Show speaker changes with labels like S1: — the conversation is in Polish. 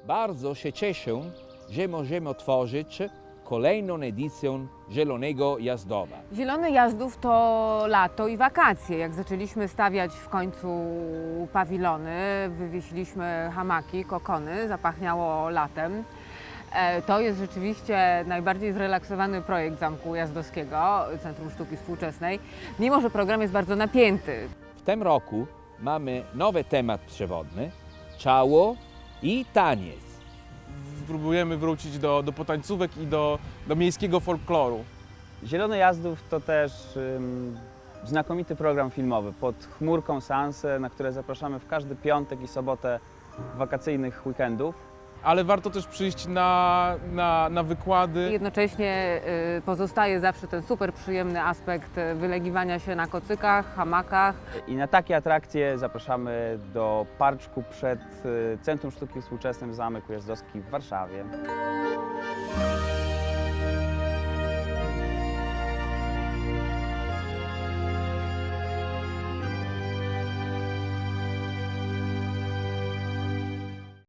S1: Bardzo się cieszę, że możemy otworzyć kolejną edycję Zielonego Jazdowa.
S2: Zielony Jazdów to lato i wakacje. Jak zaczęliśmy stawiać w końcu pawilony, wywiesiliśmy hamaki, kokony, zapachniało latem. To jest rzeczywiście najbardziej zrelaksowany projekt Zamku Jazdowskiego, Centrum Sztuki Współczesnej, mimo że program jest bardzo napięty.
S1: W tym roku mamy nowy temat przewodny – ciało i taniec.
S3: Próbujemy wrócić do potańcówek i do miejskiego folkloru.
S4: Zielony Jazdów to też znakomity program filmowy pod chmurką seanse, na które zapraszamy w każdy piątek i sobotę wakacyjnych weekendów.
S3: Ale warto też przyjść na wykłady.
S2: Jednocześnie pozostaje zawsze ten super przyjemny aspekt wylegiwania się na kocykach, hamakach.
S4: I na takie atrakcje zapraszamy do parczku przed Centrum Sztuki Współczesnej w Zamek Ujazdowski w Warszawie.